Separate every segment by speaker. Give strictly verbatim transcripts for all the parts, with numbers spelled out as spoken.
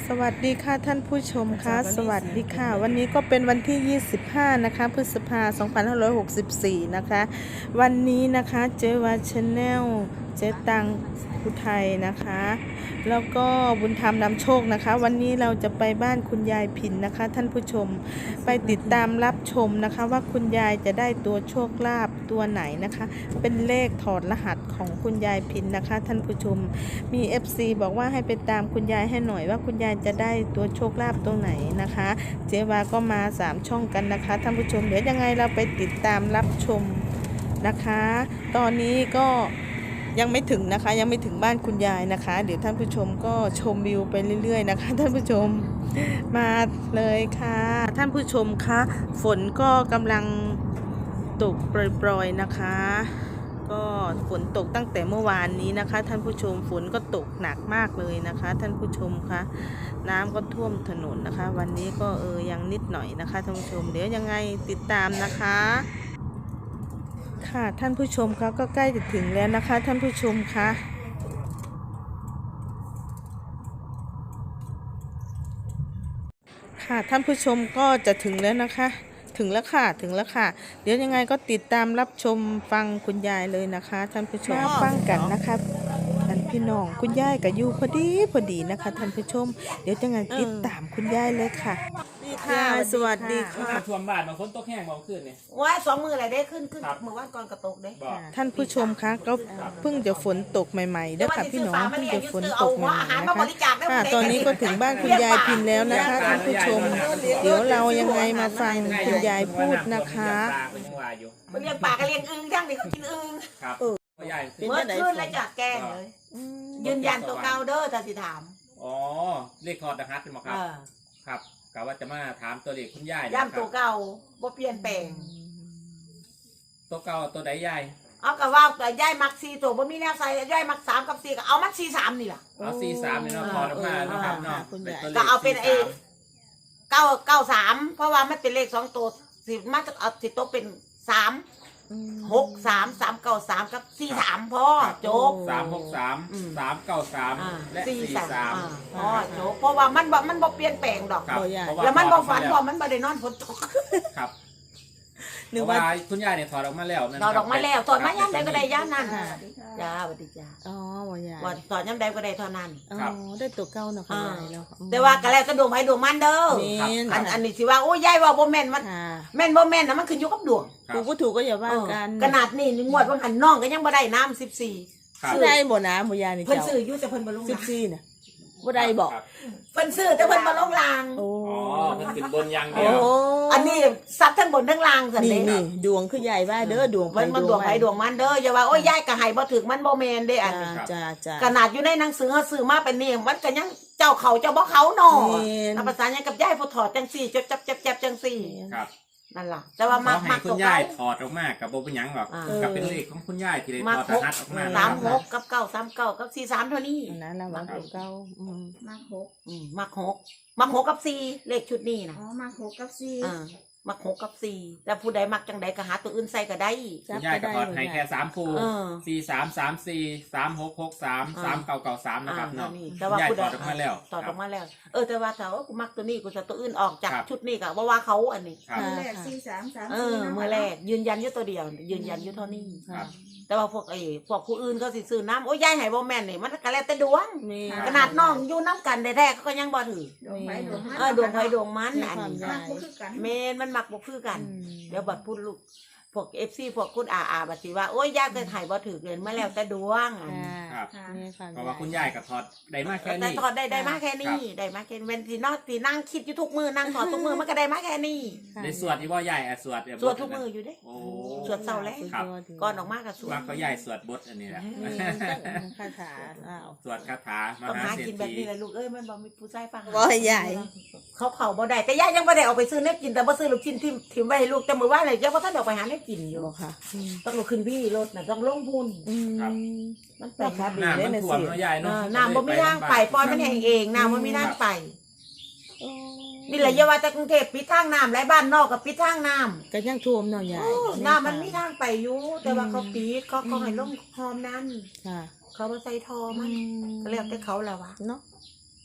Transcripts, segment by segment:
Speaker 1: สวัสดีค่ะท่านผู้ชมคะสวัสดีค่ะวันนี้ก็เป็นวันที่ยี่สิบห้านะคะพฤษภาคมสองพันห้าร้อยหกสิบสี่นะคะวันนี้นะคะเจวาชาแนลเจตังอุทัยนะคะแล้วก็บุญธรรมนำโชคนะคะวันนี้เราจะไปบ้านคุณยายพินนะคะท่านผู้ชมไปติดตามรับชมนะคะว่าคุณยายจะได้ตัวโชคลาภตัวไหนนะคะเป็นเลขถอดรหัสของคุณยายพินนะคะท่านผู้ชมมี เอฟ ซี บอกว่าให้ไปตามคุณยายให้หน่อยว่าคุณยายจะได้ตัวโชคลาภตรงไหนนะคะเจวาก็มาสามช่องกันนะคะท่านผู้ชมเดี๋ยวยังไงเราไปติดตามรับชมนะคะตอนนี้ก็ยังไม่ถึงนะคะยังไม่ถึงบ้านคุณยายนะคะเดี๋ยวท่านผู้ชมก็ชมวิวไปเรื่อยๆนะคะท่านผู้ชมมาเลยค่ะท่านผู้ชมคะฝนก็กำลังตกโปรยๆนะคะก็ฝนตกตั้งแต่เมื่อวานนี้นะคะท่านผู้ชมฝนก็ตกหนักมากเลยนะคะท่านผู้ชมคะน้ำก็ท่วมถนนนะคะวันนี้ก็เออยังนิดหน่อยนะคะท่านผู้ชมเดี๋ยวยังไงติดตามนะคะค่ะท่านผู้ชมคะก็ใกล้จะถึงแล้วนะคะท่านผู้ชมคะค่ะท่านผู้ชมก็จะถึงแล้วนะคะถึงแล้วค่ะถึงแล้วค่ะเดี๋ยวยังไงก็ติดตามรับชมฟังคุณยายเลยนะคะท่านผู้ชมฟังกันนะคะท่านพี่น้องคุณยายกับยูพอดีพอดีนะคะท่านผู้ชมเดี๋ยวยังไงติดตามคุณยายเลยค่ะค่ะสวัสดีค่ะ
Speaker 2: มาท่วมบ้านบางคนตกแห้งบางคืนเนี่ย
Speaker 3: ว่าสองมืออะไรได้ขึ้นขึ้นมือว่านก่อนกระตกได้
Speaker 1: ท่านผู้ชมคะก็เพิ่งจะฝนตกใหม่ๆเด้อค่ะพี่น้องเพิ่งจะฝนตกใหม่ๆนะคะค่ะตอนนี้ก็ถึงบ้านคุณยายพินแล้วนะคะท่านผู้ชมเดี๋ยวเรายังไงมาฟังคุณยายพูดนะคะ
Speaker 3: มันเลี้ยงปลาก็เลี้ยงอึ่งทั้งนี้เขากินอึ่ง
Speaker 2: ครับใหญ่
Speaker 3: เมื่อคืนแล้วจากแกงเลยยืนยันตัวเก่าเด้อถ้าสิถาม
Speaker 2: อ๋อเลขถอดรหัสเป็นหมอครับครับกะว่าจะมาถามตัวเลขคุณยาย
Speaker 3: ย่ำตัวเก่าบ่เปลี่ยนแปลง
Speaker 2: ตัวเก่าตัวใดยาย
Speaker 3: เอากะว่าแต่ย่ายมักซีตัวบ่มีแนวใส่ย่ายมักสามกับสี่ก็เอามักซีสามนี่ล่ะ
Speaker 2: เอาสี่สามเนี่ยเนาะถอดออกมาเนาะครับเนาะ
Speaker 3: ก็เอาเป็นเอเก้าเก้าสามเพราะว่ามันเป็นเลขสองตัวสิมันจะเอาสิโตเป็นสามหกสามสามเก้าสามกับสี่สามพ่อโจ๊ก
Speaker 2: สามหกสามสามเก้าสามและสี่สาม
Speaker 3: พ่อโจ๊กเพราะว่ามันบ่มันบ่เปลี่ยนแปลงดอก
Speaker 2: ครับ
Speaker 3: แล้วมันบ่ฝันพอมันบ่ได้นอนฝนตก
Speaker 2: ครับหรือว่าคุณยายเนี่ยถอดออกมาแล้วนั่น
Speaker 3: ถอดออกมาแล้วถอดมาย่ำใดก็ได้ย่ำนั้นจ้าสวัสดีจ้า
Speaker 1: อ๋อบ่ยาย
Speaker 3: ว่าถอดย่ำใดก็ได้เท่านั้น
Speaker 1: อ๋อได้ตัวเก่าเนาะค่ะยายเนาะ
Speaker 3: แต่ว่าก็แล้วก็ดวงไผดวงมันเด้ออันอันนี้สิว่าโอ้ยยายว่าบ่แม่นมันแม่นบ่แม่นนะมันขึ้นอยู่กับดวง
Speaker 1: ถูกบ่ถูกก็อย่าว่ากัน
Speaker 3: ขนาดนี้งวดว่าหันน้องก็ยังบ่ได้น้ำสิบสี่
Speaker 1: ซื้อได้บ่นะบ่ยายนี่
Speaker 3: เพิ่น
Speaker 1: เจ้า
Speaker 3: ซื้ออยู่แต่เพิ่นบ่ลง
Speaker 1: สิบสี่น่ะบ่ได้บอก
Speaker 3: เพิ่นซื้อแต่เพิ่นบ่ลงราง
Speaker 1: โอ้
Speaker 2: อ๋อมันขึ้นบนอย่างเดี
Speaker 1: โอ้
Speaker 2: ยว
Speaker 3: อันนี้ซับทั้งบนทั้งล่างซั่น
Speaker 1: นี่
Speaker 3: เด้
Speaker 1: นี่ดวงคือใหญ่ว่าเด้อดวง
Speaker 3: มันมันดวงไผดวงมันเด้ออย่าว่าโอ้ยยายก็ให้บ่ถึกมันบ่แม่นเด้อันนี้
Speaker 1: จ้าจ้า
Speaker 3: ขนาดอยู่ในหนังสือเขาซื้อมาเป็นนี่มันก็ยังเจ้าเขาเจ้าบ่เขาหนอนับภาษายังกับยายพอถอดจังสี่จับจับจับจับจังสี่
Speaker 2: ครับ
Speaker 3: นั่นล่ะแต่ว่ามัก
Speaker 2: ให้
Speaker 3: มัก
Speaker 2: คุ
Speaker 3: ตั
Speaker 2: ณ
Speaker 3: วย
Speaker 2: าย
Speaker 3: เก่า
Speaker 2: ถอดออกมากับโบเป็นหยังหรอก
Speaker 3: อ่า
Speaker 2: กับเป็นเลขของคุณยายที่ได้
Speaker 3: มัก
Speaker 2: ถอด
Speaker 3: ห
Speaker 2: ร
Speaker 3: ก
Speaker 2: หัสออกมา
Speaker 3: สามหกกับเก้าสามเก้ากับสี่สามเท่านี้
Speaker 1: นั่นละว่าตัวเก่าอืม
Speaker 4: มาหก
Speaker 3: อืมมักหกมักหกกับสี่เลขชุดนี้นะ
Speaker 4: อ๋อ มาหกกับสี่
Speaker 3: อ่ามักหกกับสี่แต่ผู้ใดมักจังใดก็หาตัวอื่นใส่ก็ได้
Speaker 2: คุณยายก็ถอดให้แค่สามคู่
Speaker 3: เออ
Speaker 2: สี่สามสามสี่สามหกหกสาม
Speaker 3: อ่า
Speaker 2: สามเก้าเก้าสามนะครับ
Speaker 3: อ่า
Speaker 2: เนาะ
Speaker 3: นี่
Speaker 2: คุ
Speaker 3: แต่
Speaker 2: ณ
Speaker 3: ว่าย
Speaker 2: าย
Speaker 3: ผู้
Speaker 2: ถ
Speaker 3: ใด
Speaker 2: อดออกมาแล้ว
Speaker 3: ถอด
Speaker 2: ค
Speaker 3: อ
Speaker 2: รั
Speaker 3: อบ กมาแล้วเออแต่ว่าถ้าว่ากูมักตัวนี้กูจะตัวอื่นออกจาก
Speaker 2: ครับ
Speaker 3: ชุดนี้ก็ว่าว่าเขาอันนี้
Speaker 2: ครับ
Speaker 4: มือแรกสี่สามสาม
Speaker 3: เอ
Speaker 4: สี่
Speaker 3: อ
Speaker 4: นะ
Speaker 3: เมื่อแรกยืนยันอยู่ตัวเดียว ยืนยันอยู่เท่านี้
Speaker 2: ครับ
Speaker 3: แต่ว่าพวกไอ้พวกผู้อื่นก็สิซื้อน้ำโอ้ยยายให้บ่แม่นนี่มันก็แล้วแต่ดวง
Speaker 1: มี
Speaker 3: ขนาดน้องอยู่น้ำกันแท้ๆเขาก็ยังบ่ถือ
Speaker 4: ดวงไฟดวงมัน
Speaker 3: เออดวงไฟดวงมันอันนี้
Speaker 4: มากก็คือกัน
Speaker 3: เมนมันมักบ่คือกัน เดี๋ยวบัดพูดลูกพวก เอฟ ซี พวกคุณอาอาบัดสิว่าโอ้ยยายก็ให้บ่ถือเกินมาแล้วแต่ดวงอันนี้
Speaker 2: ครับ
Speaker 4: ค่ะ
Speaker 1: นี่ค่ะ
Speaker 2: เพราะว่าคุณยายก็ถอดได้มากแค่
Speaker 3: แต่
Speaker 2: นี้
Speaker 3: ถอดได้ได้มาแค่นี้ได้มาแค่เว้นที่นอกที่นั่งคิดอยู่ทุกมือนั่งถอดทุกมือมันก็ได้มาแค่นี้
Speaker 2: ในสวดที่ว่ายายอ่ะสวดแบบ
Speaker 3: สวดทุกมืออยู่เด้
Speaker 2: โอ้
Speaker 3: สวดเศร้าแล้ว
Speaker 2: ครับ
Speaker 3: ก่อนออกมาก็สว
Speaker 2: ว่า
Speaker 3: ด
Speaker 2: เขายายสวดบทอันนี้แหละ
Speaker 1: คาถาอ้าว
Speaker 2: สวดคาถาม
Speaker 3: ต้อง
Speaker 2: หา
Speaker 3: หา
Speaker 2: เศรษ
Speaker 3: กินแบบ
Speaker 2: ฐี
Speaker 3: นี้แหละลูกเอ้ยมันบ่มีผู้ชายฟัง
Speaker 1: บ่ใหญ่
Speaker 3: เขาเขาบ่ได้แต่ย่ายังบ่ได้เอาไปซื้อเน็บกินแต่บ่ซื้อลูกชิ้นที่ถิ่มไว้ให้ลูกแต่มื้อวานเลยย่าบ่ทันได้ออกไปหาเน็บกินอยู่
Speaker 1: บอกค่ะอืม
Speaker 3: ต้องลุกขึ้นพี่รถน่ะต้องลงทุน
Speaker 1: อืม
Speaker 3: มันไป
Speaker 1: ครับ
Speaker 2: น้ำมันท่วมเนาะยาย
Speaker 3: เอ
Speaker 2: เนาะ
Speaker 3: อน้ำบ่มีทางไปปล่อยมันแห้งเองน้ำบ่มีทางไปนี่แหละอย่าว่าแต่กรุงเทพปิดทางน้ำหลายบ้านนอกก็ปิดทางน้ำ
Speaker 1: ก็ยังท่วมเนาะยาย
Speaker 3: โอ้น้ำมันมีทางไปอยู่แต่ว่าเขาปิดเขาเขาให้ลงคลองนั้น
Speaker 1: ค่ะ
Speaker 3: เขาบ่ใส่ทอมันก็แล้วแต่เขาแหละวะ
Speaker 1: เนาะ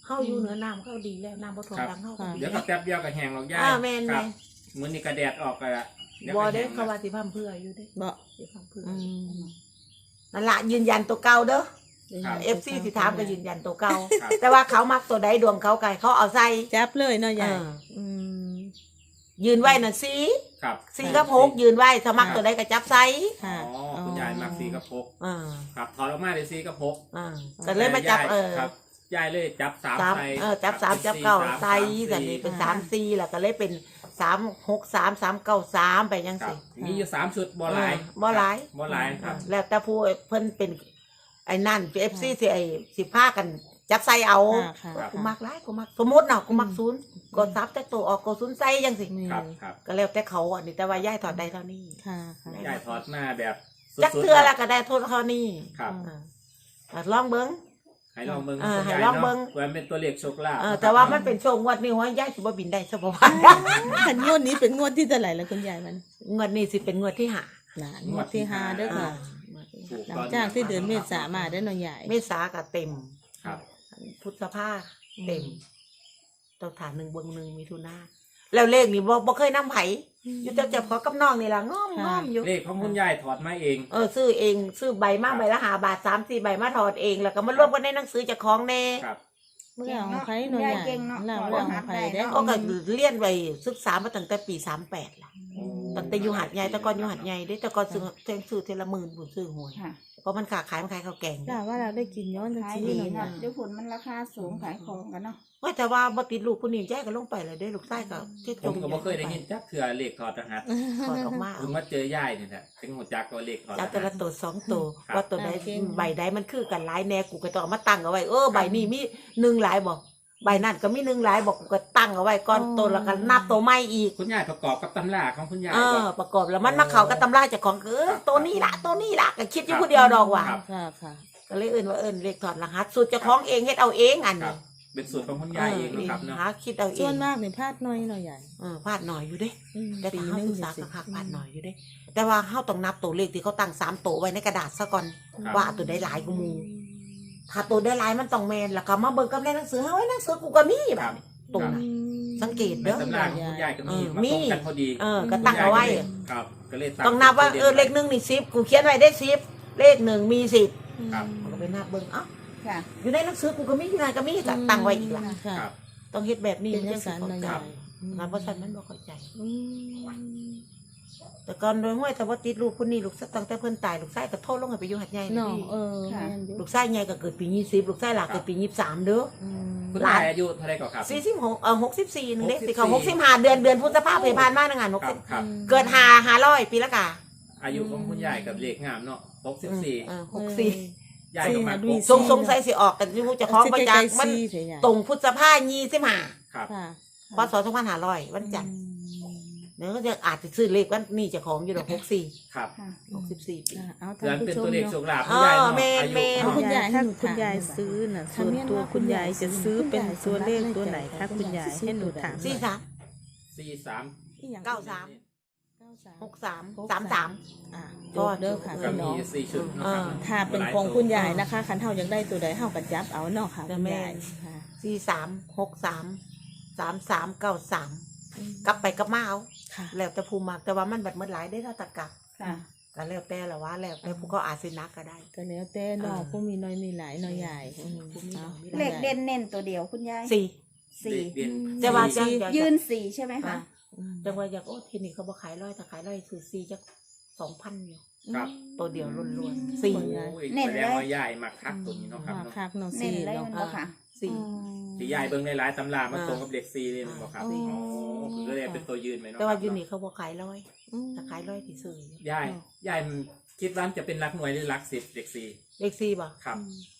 Speaker 3: เข้าอยู่เหนือน้ำเข้าดีแล้วน้ำบ่ท่วม
Speaker 2: ครับ
Speaker 3: ดังเข้า
Speaker 1: ค่ะ
Speaker 2: เดี๋ยวก็แป๊บเดียวก็แห้งหรอกยาย
Speaker 3: อ่าแม่น
Speaker 2: ครับ
Speaker 3: แม่น
Speaker 2: มื้อนี้ก็แดดออกก็เดี๋ยว
Speaker 3: บ่
Speaker 2: ก็
Speaker 3: ได้
Speaker 2: แห้ง
Speaker 3: เขาว่าสิพร่ำเพื่ออยู่เด้
Speaker 1: บ่
Speaker 3: สิพร่ำเพื่อ
Speaker 1: อืม
Speaker 3: นั่นล่ะยืนยันตัวเก่าเด้อ
Speaker 2: ครับ
Speaker 3: เอฟซีสิถามก็ยืนยันตัวเก่า
Speaker 2: ครับ
Speaker 3: แต่ว่าเขามักตัวใดดวงเขาไก่เขาเอาใส่
Speaker 1: จับเลยเนาะยาย
Speaker 3: เออ
Speaker 1: อืม
Speaker 3: ยืนไว้น่ะสี
Speaker 2: ครับ
Speaker 3: สีกับหกยืนไว้ถ้ามักตัวใดก็จับใส่
Speaker 2: อ๋
Speaker 1: ค่ะ
Speaker 2: อคุณยายมักสีกระพก
Speaker 3: อ่า
Speaker 2: ครับถอดออกมาเลยสีกระพก
Speaker 3: อ่าก็เลยมาจับ
Speaker 2: แต่ย
Speaker 3: เออ
Speaker 2: ครับยายเลยจับสาม
Speaker 3: สาม
Speaker 2: ใส่
Speaker 3: เออจับสาม
Speaker 2: เป็น
Speaker 3: จับเก้า
Speaker 2: สาม
Speaker 3: ใส่
Speaker 2: สาม
Speaker 3: แต่นี่เป็น
Speaker 1: อ่า
Speaker 3: สามสี่แล้วก็เลยเป็นสามหกสามสามเก้าสามไปยัง
Speaker 2: ครั
Speaker 3: สิ
Speaker 2: บมีอยู่สามชุดบ่หลาย
Speaker 3: เออบ่หลาย
Speaker 2: บ่หลายครับ
Speaker 3: แล้วแต่ผู้เพิ่นเป็นไอ้นั่นเอฟซีสิไอ้สิพากันจับใส่เอา
Speaker 1: ค่ะค่ะ
Speaker 2: ครับ
Speaker 3: กูมักหลายกูมักสมมติเนาะกูมักศูนย์กดซับแต่ตัวออกกดศูนย์ใส่ยังสิ
Speaker 1: นี่
Speaker 2: ครับครับ
Speaker 3: ก็แล้วแต่เขาอันนี้แต่ว่าย่ายถอดได้เท่านี้
Speaker 1: ค่ะค่ะ
Speaker 2: ยายถอดมาแบบสุด
Speaker 3: จัก
Speaker 2: ๆ
Speaker 3: เทือแล้วก็ได้โทษเท่านี้
Speaker 2: ครับ
Speaker 3: อ่าอ่ะลองเบิ้ง
Speaker 2: ให้ลองเบิ่ง
Speaker 3: เออ
Speaker 2: คุณ
Speaker 3: ให้
Speaker 2: ยาย
Speaker 3: ลองเบิ่ง
Speaker 2: เนาะว่าเป็นตัวเลขโชคลาภ
Speaker 3: เออแต่ว่ามันเป็นช่วงงวดนี้ว่าย่ายสิบ่บินได้ซะบ่ว่า
Speaker 1: ขันงวดนี้เป็นงวดที่เท่าไหร่แล้วคุณยายมัน
Speaker 3: งวดนี้สิเป็นงวดที่ห้า
Speaker 1: หลานงวดที่ห้าเด้อค่ะ
Speaker 3: งวดที่
Speaker 2: ถู
Speaker 3: ห้าก
Speaker 1: หลังจากที่เดือนเมษามาได้อเนาะยาย
Speaker 3: เมษาก็เต็ม
Speaker 2: ครับ
Speaker 3: พุทธภาเต็มต้องฐานหนึ่งเบิ่งหนึ่งมิถุนาแล้วเลขนี่บ่บ่เคยนำไผอยู่แต่เจ็บขอกับน้องนี่ล่ะง้อมง้อมอยู่
Speaker 2: เลขของคุณยายถอดมาเอง
Speaker 3: เออซื้อเองซื้อใบมาใบละหาบาทสามสี่ใบมาถอดเองแล้วก็มารวมกันในหนังสือเจากของแน่
Speaker 2: ครับ
Speaker 1: เมื่อของใครเนาะยาย
Speaker 4: เก่งเนาะ
Speaker 1: เล่าเรื่องของใครได้อ
Speaker 3: ก็ก็เรียนไว้ศึกษามาตั้งแต่ปีสามแปดล่ะตั้งแต่อยู่หัดใหญ่แต่ก่อนอยู่หัดใหญ่ได้แต่ก่อนซื้อเทงซื้อเทละหมื่นบุญซื้อหวย
Speaker 4: ค่ะ
Speaker 3: เพราะมันขาขายมันขายข้าวแกง
Speaker 1: ล่าว่าเราได้กินย้อนจัง
Speaker 4: ขาย
Speaker 1: ซี่
Speaker 4: ดี
Speaker 1: เนาะ
Speaker 4: เนาะเดี๋ยวผลมันราคาสูงขายของกันเนาะ
Speaker 3: ว่าแต่ว่าบ่ติดลูกผู้นี้แจ้ก็ลงไปเลยได้ลูกใต้ก็เจ๊
Speaker 2: ผมก็บ่เคยได้ยินจักเทื่อเลขถอดรหัส
Speaker 3: ถอดออกมา
Speaker 2: เพิ่งมาเจอยายนี่แหละถึงหัวจักก็เลขถอดร
Speaker 3: จับแต่
Speaker 2: หั
Speaker 3: ละ
Speaker 2: ส
Speaker 3: ตัวสองตัว
Speaker 2: ครับ
Speaker 3: ว่าตัวใดใบใดมันคือกันหลายแน่กูก็ต้องเอามาตั้งเอาไว้เออใบนี้มีหนึ่งหลายบอกใบนั่นก็มีหนึ่งหลายบอกกูก็ตั้งเอาไว้ก่อนตัวแล้วก็นับตัวใหม่อีก
Speaker 2: คุณยายประกอบกับตำราของคุณยาย
Speaker 3: เอ
Speaker 2: ก่
Speaker 3: อ
Speaker 2: อน
Speaker 3: ประกอบแล้วมันมาเข้ากับตำราเจากของเออตัวนี้ละตัวนี้ละก็คิดอยู่ผู้เดียวดอกว่ะ
Speaker 2: ครับ
Speaker 1: ค่ะค่ะ
Speaker 3: ก็เลยเอิ้นว่าเอิ้นเลขถอดรหัสสูตรเจ้าของเองเฮ็ดเอาเองอัน
Speaker 2: ครั
Speaker 3: นี้
Speaker 2: บ เป็นสูตรของคุณยายเองนะครับเนาะ
Speaker 3: หาคิดเอาเอ
Speaker 1: ส่วน
Speaker 3: ง
Speaker 1: มากเนี่ยพลาดน้อยเนาะยาย
Speaker 3: เออพลาดหน่อยอยู่เด้
Speaker 1: อืม
Speaker 3: แต่
Speaker 1: ปี
Speaker 3: ถ้า
Speaker 1: ห
Speaker 3: เฮา
Speaker 1: นึง
Speaker 3: ศึกษา
Speaker 1: สิ
Speaker 3: ก็คักพลาดหน่อยอยู่เด้ แต่ว่าเฮาต้องนับตัวเลขที่เขาตั้งสามตัวไว้ในกระดาษซะก่อน
Speaker 2: ครับ
Speaker 3: ว่าตัวได้หลายกูมูถ้าตัวได้หลายมันต้องแม่นแล้วก็มาเบิ่งกับในหนังสือเฮาไว้หนังสือกูก็มี
Speaker 2: ค
Speaker 3: แบ
Speaker 2: รั
Speaker 3: บบ ตรง
Speaker 2: ค
Speaker 3: น่ะ
Speaker 2: บ
Speaker 3: สังเกต
Speaker 2: ใน
Speaker 3: เด้อ
Speaker 2: ตำราของคุณยายก็มี
Speaker 3: เออ
Speaker 2: มา
Speaker 3: มี
Speaker 2: ตรงกันพอดี
Speaker 3: เออก็ตั้งเอาไว้
Speaker 2: ครับ ก็เลย
Speaker 3: ต้องนับว่าเออเลขหนึ่งนี่สิบกูเขียนไว้ได้สิบเลขหนึ่งมีสิบ
Speaker 2: ครับ
Speaker 3: ก็ไปนับเบิ่งเอ้า
Speaker 4: ค่ะ
Speaker 3: อยู่ในหนังสือกูก็มีอยู่ไหนก็มีก็ตั้งไว้อีกล่ะ
Speaker 1: ค่ะ
Speaker 2: ครับ
Speaker 3: ต้องเฮ็ดแบบนี้
Speaker 1: เป็น
Speaker 3: จั
Speaker 1: จั
Speaker 3: ง
Speaker 1: ง
Speaker 3: สิ
Speaker 1: สัน
Speaker 3: เข้า
Speaker 1: เนาะ
Speaker 3: ใจ
Speaker 1: ยาย
Speaker 3: งานบ่ซั่นมันบ่เข้าใจ
Speaker 1: อืม
Speaker 3: แต่ก่อนโดยห้วยแต่ว่าติดลูกคนนี้ลูกตั้งแต่เพิ่นตายลูกชายก็โทษลงให้ไปอยู่หัดใหญ่
Speaker 1: เนาะ
Speaker 3: นี่
Speaker 1: เออแม่นอยู่
Speaker 3: ลูกชายใหญ่ก็เกิดปียี่สิบลูกชายหลักเกิดปียี่สิบสามเด้อ
Speaker 1: อืม
Speaker 2: คุณยายอายุเท่าไหรก่อนครับ
Speaker 3: สี่สิบหกเออหกสิบสี่นึงเด้
Speaker 2: หกสิบสี่
Speaker 3: สิเขาหกสิบห้าเดือนเดือนพฤษภาคมผ่านมาในงานหก
Speaker 2: ครั
Speaker 3: สิ
Speaker 2: บบ ครับ
Speaker 3: เกิดห้าห้าร้อยปีละกะ
Speaker 2: อายุของคุณยายกับเลขงามเนาะหกสิบสี่
Speaker 3: เออหกสี่
Speaker 2: ยายก็มา
Speaker 1: สี่
Speaker 3: สงสงสัยสิออกกันที่ผู้จะคล้องประจักษ์มัน
Speaker 1: สี่เฉยๆ
Speaker 3: ตรงพุทธภายี่สิบห้า
Speaker 2: ครับ
Speaker 1: ค่ะ
Speaker 3: พศสองพันห้าร้อยวันจันทร์เดี๋ยวก็จะอาจจะซื้อเลขวันนี้เจะของอยู่ดอกหกสี่
Speaker 2: ครับ
Speaker 4: ค่ะ
Speaker 3: หกสิบสี่ปี
Speaker 1: อ่ะเอา
Speaker 2: เดือน
Speaker 1: ท่านผู้
Speaker 2: เป็น
Speaker 1: ชม
Speaker 2: ตัวเลขโช
Speaker 1: เนาะ
Speaker 2: คลาภคุณยายเนาะ
Speaker 3: เออแม่น
Speaker 2: อายุ
Speaker 3: แม่น
Speaker 1: เอาคุณยาย
Speaker 2: ค
Speaker 1: ถ้า
Speaker 2: รับ
Speaker 1: คุณยายซื้อน่ะส่วนตัวคุณยายจะซื้อเป็นตัวเลขตัวไหนคะคุณยายให้หนูถามหน่
Speaker 3: สี่
Speaker 1: อย
Speaker 3: สาม
Speaker 2: สี่สาม
Speaker 1: อีหยัง
Speaker 3: เก้าสาม
Speaker 1: เก้าสาม
Speaker 3: หกสามสามสาม
Speaker 1: อ่ะ
Speaker 3: ก็
Speaker 1: จบเด้อค่ะ
Speaker 2: ก็
Speaker 1: พี่
Speaker 2: มี
Speaker 1: น้อง
Speaker 2: สี่ชุดนะครับ
Speaker 3: เออ
Speaker 1: ถ้าเป็นของคุณยายนะคะคันเท่ายังได้ตัวใดเท่ากันจับเอาเนาะค่ะ
Speaker 3: แต่
Speaker 1: คุณ
Speaker 3: แม่
Speaker 1: ยายค่ะ
Speaker 3: สี่สามหกสามสามสามเก้าสามกลับไปกลับมาเอา
Speaker 1: ค่ะ
Speaker 3: แล้วแต่ภูมิมากแต่ว่ามันบัดมันหลายได้ถ้าตะกลับ
Speaker 4: ค่ะ
Speaker 3: ก็แล้วแต่ละว่าแล้วแต่ผู้เขาอาจสินักก็ได้
Speaker 1: ก็แล้วแต่เนาะ
Speaker 3: อ่า
Speaker 1: ผู้มีน้อยมีหลายน้อยใหญ่อืม
Speaker 3: ผู้มีน้อยมีหา
Speaker 4: เลขเด่นเน้นตัวเดียวคุณยาย
Speaker 3: สี่
Speaker 4: สี่
Speaker 2: เด่น
Speaker 3: แต่ว่า
Speaker 1: สี่
Speaker 3: จะ
Speaker 4: ยืนสี่ใช่ไหมคะ
Speaker 1: อืม
Speaker 3: จังว่าอยากโอ้ทีนี้เขาบ่ขายร้อยถ้าขายร้อยคือสี่จักสองพันอยู่
Speaker 2: ครับ
Speaker 3: ตัวเดียวล้วนๆสี่
Speaker 2: โอ้ย
Speaker 4: เน้น
Speaker 2: แส
Speaker 4: เลย
Speaker 2: ดงว่ายายมาคักตัวนี้เนาะครับ
Speaker 1: มา
Speaker 2: เนาะ
Speaker 1: คักเนาะ
Speaker 4: เน้น
Speaker 1: สี่
Speaker 4: เลย
Speaker 1: เนาะ
Speaker 4: มันบ่ค่ะ
Speaker 3: สี่
Speaker 2: ที่ยายเบิ่งในหลายตำรามันตรงกับเลขสี่เลยมันบอกครับ
Speaker 1: อ๋
Speaker 2: อ๋
Speaker 1: อ
Speaker 2: อคือก็เลยเป็นตัวยืนไหมเนาะ
Speaker 3: แต่ว่า
Speaker 2: ครับ
Speaker 3: อยู่นี่เขาบ่ขายร้อย
Speaker 1: อืม
Speaker 3: ถ้าขายร้อยที่ซื้อย
Speaker 2: ายยายมันคิดว่าจะเป็นรักหน่วยหรือรักสิบเลขสี่
Speaker 3: เลขสี่บ่
Speaker 2: ครับ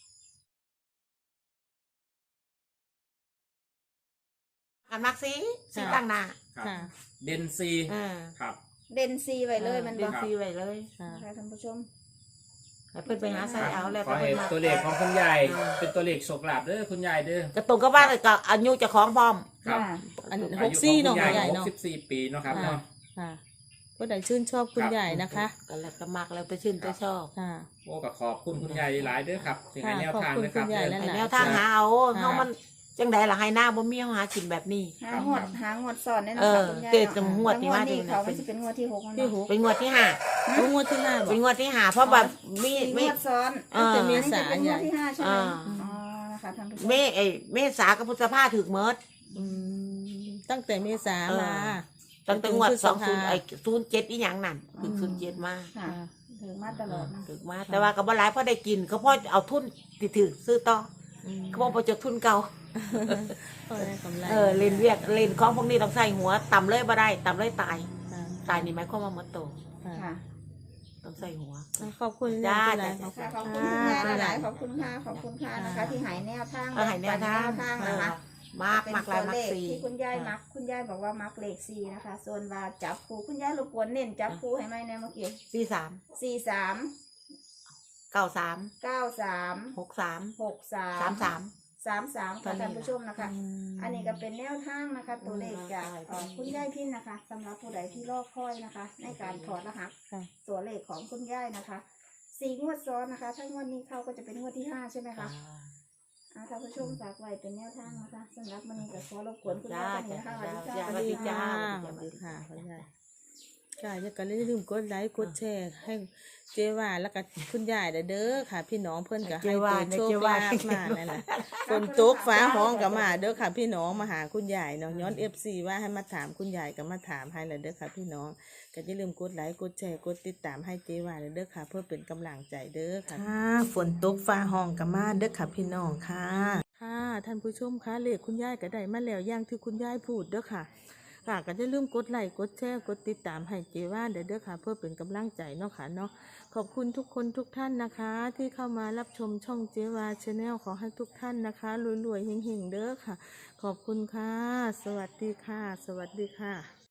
Speaker 3: กันมักสี่สี่ตั้งหน้า
Speaker 2: ครับ
Speaker 1: ค่ะ
Speaker 2: เด่นสี่
Speaker 3: อ่า
Speaker 2: ครับ
Speaker 4: เด่นสี่ไว้เลยมัน
Speaker 3: เล
Speaker 4: บ่
Speaker 3: ขสี่ไว้เลย
Speaker 1: ค่ะ
Speaker 4: ค่ะท่านผู้ชม
Speaker 3: ให้เพิ่นไปหาใส่เอาแล้ว
Speaker 2: ขอให้
Speaker 3: เพิ่นมา
Speaker 2: ตัวเลขของคุณยายเป็นตัวเลขโชคลาภเด้อคุณยายเด้อ
Speaker 3: ก็ตรงกับว่ากับอายุเจ้าของพร้อม
Speaker 2: ครับ
Speaker 4: ค่ะ
Speaker 1: อันห
Speaker 2: อาก ยุ
Speaker 1: สี่
Speaker 2: ของ
Speaker 1: เนาะ
Speaker 2: คุณ
Speaker 1: คุณ
Speaker 2: ยาย
Speaker 1: ยาย
Speaker 2: หก
Speaker 1: เนาะ
Speaker 2: สิบสี่ปีเนาะครับเนาะ
Speaker 1: ค่ะก็ได้ชื่นชอบคุณ
Speaker 2: ครับ
Speaker 1: ยายนะคะ
Speaker 3: ก็แล้วก็มักแล้วไปชื่นไปชอบ
Speaker 1: ค่ะ
Speaker 2: โอ้ก็ขอบคุณคุณยายหลายเด้อครับถึงให้
Speaker 1: ค่ะ
Speaker 2: แนวทาง
Speaker 1: ขอบคุณ
Speaker 2: นะครับ
Speaker 1: คุณยาย
Speaker 2: เด้อ
Speaker 1: และ
Speaker 3: แนวทางหาเอา
Speaker 1: ค่ะ
Speaker 3: เฮามันจังใดล่ะให้หน้าบ่มีเฮาหากินแบบนี้
Speaker 4: หางวดหางวดสอนเนี่ยนะ
Speaker 3: เอ
Speaker 4: คะ
Speaker 3: อ
Speaker 4: คุณยาย
Speaker 3: เจ็ด
Speaker 4: เนาะ
Speaker 3: งวดนี่ว่า
Speaker 4: นี่
Speaker 3: ดีนะ
Speaker 4: เขามันจะเป็นงวดที่หกมัน
Speaker 1: ที่
Speaker 4: เนาะ
Speaker 1: หก
Speaker 3: เป็นงวดที่ห้า
Speaker 1: รู้งวดที่ห้าบอ
Speaker 3: เป็น
Speaker 1: ก
Speaker 3: งวดที่ห้าเพราะแบบมี
Speaker 4: สี่ง
Speaker 3: ไม่
Speaker 4: วดซ้อน
Speaker 3: เออ
Speaker 1: แต่เม
Speaker 4: อันนี้
Speaker 1: ษา
Speaker 4: จะเป็นงวดที่ห้าใช่ไหม
Speaker 3: อ่า
Speaker 4: อ๋อนะคะท่านผู้ชม
Speaker 3: เมไอ้เมษากับพฤษภาถึกเมิด
Speaker 1: อืมตั้งแต่เมษามา
Speaker 3: ตั้งแต่งวด
Speaker 1: จนถึ
Speaker 3: สอง
Speaker 1: พฤษ
Speaker 3: ศูนย์
Speaker 1: ภา
Speaker 3: ไอ้ศูนย์เจ็ดอีหยังนั่นถึงศูนย์เจ็ดมา
Speaker 4: ค่ะถือมาตลอดนะ
Speaker 3: ถึกมาแต่ว่าก็บ่หลายเพราะได้กินเขาพ่อเอาทุนติถือซื้อต่อ
Speaker 1: อืม
Speaker 3: เขาบอกบ่จะทุนเก่า
Speaker 1: ก็ได้กำไร
Speaker 3: เออเล่นเวียกเล่นของพวกนี้ต้องใส่หัวต่ำเลยบ่ได้ต่ำเลยตาย
Speaker 1: ค่ะ
Speaker 3: ตายนี่หมายความว่าหมดโต
Speaker 1: ค่ะ
Speaker 4: ค่ะ
Speaker 3: ต้องใส่หัว
Speaker 1: ขอบคุณ
Speaker 3: จ้า
Speaker 1: หลายๆ
Speaker 3: จ้า
Speaker 4: ค่ะขอบคุณคุณยายหลายๆขอบคุณค่ะขอบคุณค่ะนะคะ ที่ใหายแนวทาง
Speaker 3: เออให้แนวทาง
Speaker 4: แนวทางนะคะ
Speaker 3: มากมากลาย
Speaker 4: เป็น
Speaker 3: มาก
Speaker 4: ตัวเลข
Speaker 3: สี่
Speaker 4: ที่คุณยายมักคุณยายบอกว่ามักเลขสี่นะคะ ส่วนว่าจับคู่คุณยายรบกวนเน้นจับคู่ให้ไหมในเมื่อกี้
Speaker 3: สี่สาม
Speaker 4: สี่สาม
Speaker 3: เก้าสาม
Speaker 4: เก้าสาม
Speaker 3: หกสาม
Speaker 4: หกสาม
Speaker 3: สามสาม
Speaker 4: สามสาม
Speaker 3: ตอ
Speaker 4: ค่ะ
Speaker 3: นนี้
Speaker 4: ท่านผู้ชมนะคะ อันนี้ก็เป็นแนวทางนะคะ ตัวเลขจาก
Speaker 3: ใช่
Speaker 4: เอ่อคุณยายพินนะคะสำหรับผู้ใดที่รอคอยนะคะ ในการถอดรหัส
Speaker 1: ค่ะ
Speaker 4: ตัวเลขของคุณยายนะคะสี่งวดซ้อนนะคะ ถ้างวดนี้เข้าก็จะเป็นงวดที่ห้าใช่ไหมคะอ่าท่านผู้ชมฝากไว้เป็นแนวทางนะคะสำหรับวันนี้ก็ขอรบกวนคุณยายคนนี้นะคะสวัสดีค่ะ
Speaker 3: จ้า
Speaker 1: สวัสดีค่ะสวัสดีค่ะคุณยายค่ะอย่ากันลืมกดไลค์กดแชร์ให้เจว่าแล้วก็คุณยายเด้อค่ะ พี่น้องเพิ่นก็ให้ตัวโชคลาภมานั่นน่ะฝนตกฟ้าห้องก็มาเด้อค่ะ พี่น้องมาหาคุณยายเนาะย้อน เอฟ ซี ว่าให้มาถามคุณยายก็มาถามให้แล้วเด้อค่ะ พี่น้องก็อย่าลืมกดไลค์กดแชร์กดติดตามให้เจว่าเด้อค่ะ เพื่อเป็นกำลังใจเด้อค่ะฝนตกฟ้าห้องก็มาเด้อค่ะพี่น้องค่ะค่ะท่านผู้ชมคะเลขคุณยายก็ได้มาแล้วอย่างที่คุณยายพูดเด้อค่ะค่ะก็อย่าลืมกดไลค์กดแชร์กดติดตามให้เจว่าเด้อเด้อค่ะ เพื่อเป็นกำลังใจเนาะค่ะเนาะขอบคุณทุกคนทุกท่านนะคะ ที่เข้ามารับชมช่องเจว่าชาแนลขอให้ทุกท่านนะคะรวยๆเฮงๆเด้อค่ะ ขอบคุณค่ะ สวัสดีค่ะ สวัสดีค่ะ